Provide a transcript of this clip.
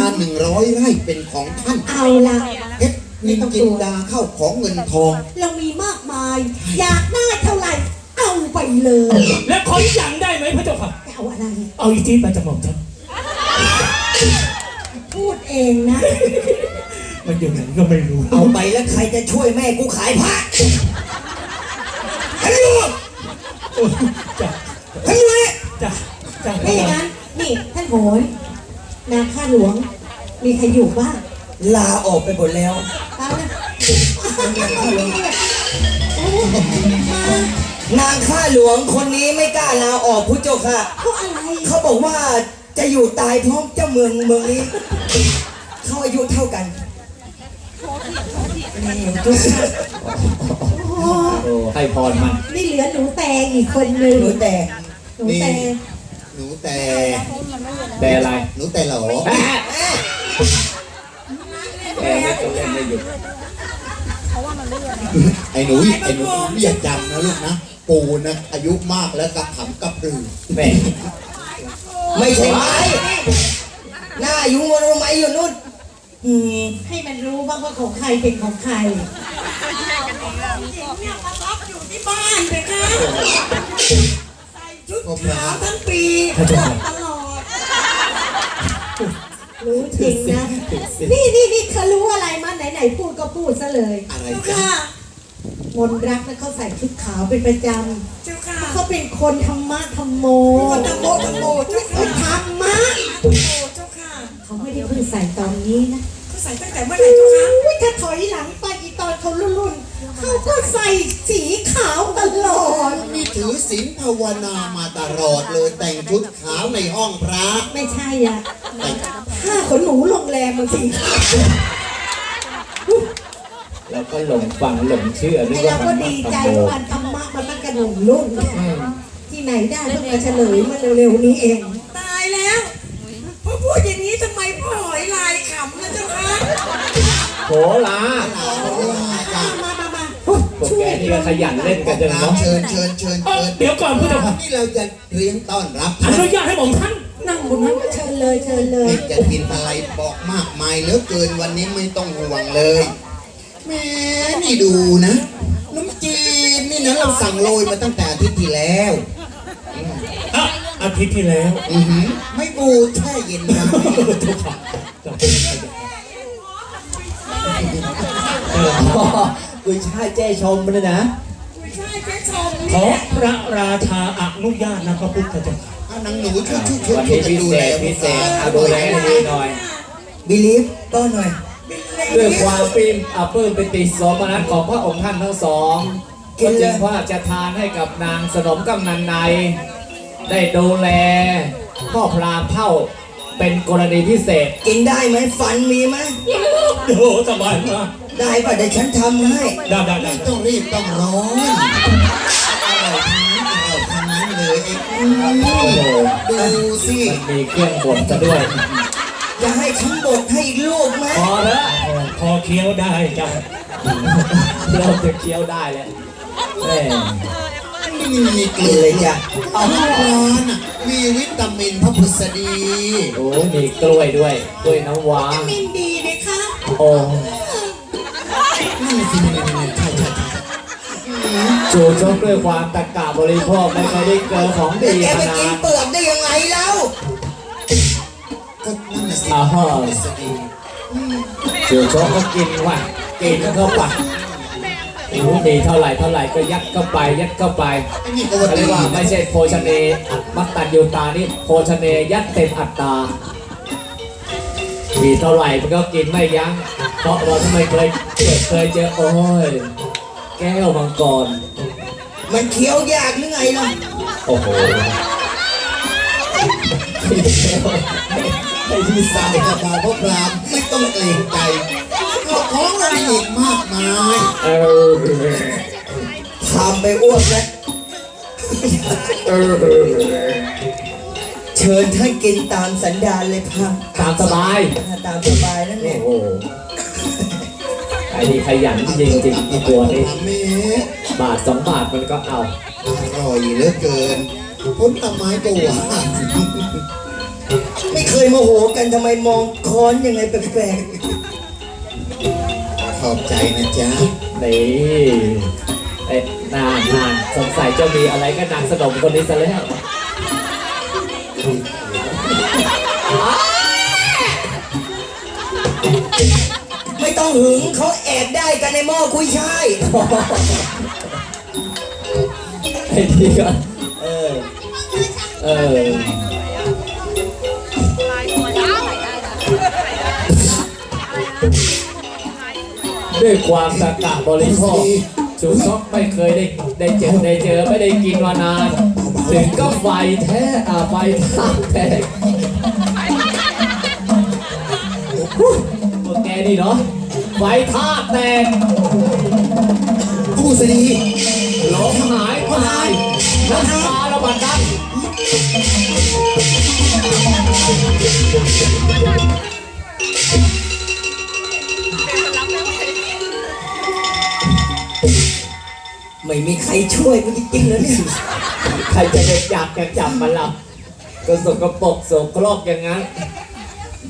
100 ไร่เป็นของท่านเอาละเพชรนินจินดาเข้าของเงินทองเรามีมากมายอยากได้เท่าไหร่เอาไปเลยแล้วขออีกอย่างได้ไหมพระเจ้าค่ะเอาอะไรเอาอีจีนไปจะหม่อมฉันพูดเองนะมันอยู่ไหนก็ไม่รู้เอาไปแล้วใครจะช่วยแม่กูขายผ้าให้ดูจ้ะให้ดูเลยจ้ะจ้ะไม่อย่างนั้นนี่ท่านโหยนาข้าหลวงมีใครอยู่บ้างลาออกไปหมดแล้วเอาละนางข้าหลวงคนนี้ไม่กล้าลาออกพุทธเจ้าค่ะเพราะอะไรเขาบอกว่าจะอยู่ตายพร้อมเจ้าเมืองนี้เขาอายุเท่ากันให้พรมันนี่เหลือหนูแตงอีกคนนึงหนูแต่หนูแตงหนูแต่อะไรหนูแต่หรอไอ้หนูอย่าจำนะลูกนะปูนะอายุมากแล้วกับขำกับปลือแม่ไม่ใช่ไม้หน้าอยู่บนไม้อยู่นู่นให้มันรู้บ้างว่าของใครเป็นของใครอยู่ที่บ้านเลยค่ะใส่ชุดขาวทั้งปีตลอดรู้จริงนะนี่เขารู้อะไรมาไหนพูดก็พูดซะเลยอะไรค่ะมนรักนะเขาใส่ชุดขาวเป็นประจำเขาเป็นคนธรรมะธรรมโมธรรมโมเจ้าค่ะธรรมะเจ้าค่ะเขาไม่ได้เพิ่งใส่ตอนนี้นะเขาใส่ตั้งแต่เมื่อไหร่เจ้าค่ะถ้าถอยหลังไปอีตอนเขารุ่นเขาก็ใส่สีขาวตลอดมีถือศีลภาวนามาตลอดเลยแต่งชุดขาวในห้องพระไม่ใช่อ่ะผ้าขนหนูโรงแรมมันสีขาวแล้วก็หลงฟังหลงเชื่อด้วยเราก็ดีใจว่าธรรมะมันตั้งกระหน่ำรุ่นที่ไหนได้เพิ่งมาเฉลยมาเร็วๆนี้เองตายแล้วพอพูดอย่างนี้ทำไมพ่อหอยลายขำนะเจ้าคะโหลาพวกแกนี่ก็ขยันเล่นกันจังเนาะเชิญเดี๋ยวก่อนผู้ชมนี่เราจะเลี้ยงต้อนรับอนุญาตให้ผมท่านนั่งบนนั้นเชิญเลยจะกินอะไรบอกมากมายเหลือเกินวันนี้ไม่ต้องห่วงเลยแม่นี่ดูนะน้ำจีนนี่นะเราสั่งโรยมาตั้งแต่อาทิตย์ที่แล้วอาทิตย์ที่แล้วไม่บูดแช่เย็นนะกุยช่ายแจ้ชมเลยนะขอพระราชาอนุญาตนะครับพุทธเจ้านังหนูช่วยวันนี้พิเศษดูแลดีหน่อยบิลีฟต้อนหน่อยด้วยความปลื้มปิติโสมนัสของพระองค์ท่านทั้งสองก็จึงว่าจะทานให้กับนางสนมกำนันในได้ดูแลพ่อพราหมณ์เท่าเป็นกรณีพิเศษกินได้ไหมฟันมีไหมโอ้สบายมากได้ป่ะเดี๋ยวฉันทำให้ไม่ต้องรีบต้องร้อนทำนั้นเลยดูสิมีเครื่องบดซะด้วยจะให้ฉันบดให้อีกลูกไหมพอแล้วพอเคี้ยวได้จ้ะเราจะเคี้ยวได้แล้วมีเกลือเลยจ้ะเอาร้อนมีวิตามินพระพุทธดีโอ้มีกล้วยด้วยกล้วยน้ำว้าวิตามินดีเลยค่ะโอ้นี่สิใช่จูชกด้วยความตะกะบริโภคไม่เคยได้เกินของดีขนาดแกไปกินเปลือกได้ยังไงแล้วก็นั่นสิจูชกก็กินว่ะกินเข้าไปดีเท่าไหร่ก็ยัดเข้าไปเรียกว่าไม่ใช่โภชเนมัตตัญญูตานี่โภชเนยัดเต็มอัตตาดีเท่าไหร่มันก็กินไม่ยั้งเพราะเราไม่เคยเจอโอ้ยแก้วมังกรมันเคี้ยวยากหรือไงล่ะโอ้โหไอ้ที่สาวกับบ่าวพวกรามไม่ต้องเกรงใจของเราอีกมากมายทำไปอ้วกแล้วเชิญท่านกินตามสันดานเลยค่ะตามสบายนั่นเองโอ้ไอ้นี่ขยันจริงๆตัวนี้บาท2 บาทมันก็เอาอร่อยเหลือเกินพ้นต้นไม้ก็หวานไม่เคยโมโหกันทำไมมองค้อนยังไงแปลกขอบใจนะจ๊ะนี่ไอ้นานสงสัยจะมีอะไรกับนางสนมคนนี้ซะแล้วๆไม่ต้องหึงเขาแอบได้กันในหม้อกุ้ยช่ายไอ้ที่ก็เออด้วยความตะกะบริโภคชูซอกไม่เคยได้เจอไม่ได้กินมานาน ถึงก็ไฟแท้ไฟท่าแตกพวกแกนี่เนาะไฟท่าแตกผู้สดีหลงหายไปน้ำตาระบาดดันไม่มีใครช่วยกูจริงๆเลยเนี่ยใครจะไปอยากจะจับมันล่ะก็สกปรกโสโครกอย่างนั้น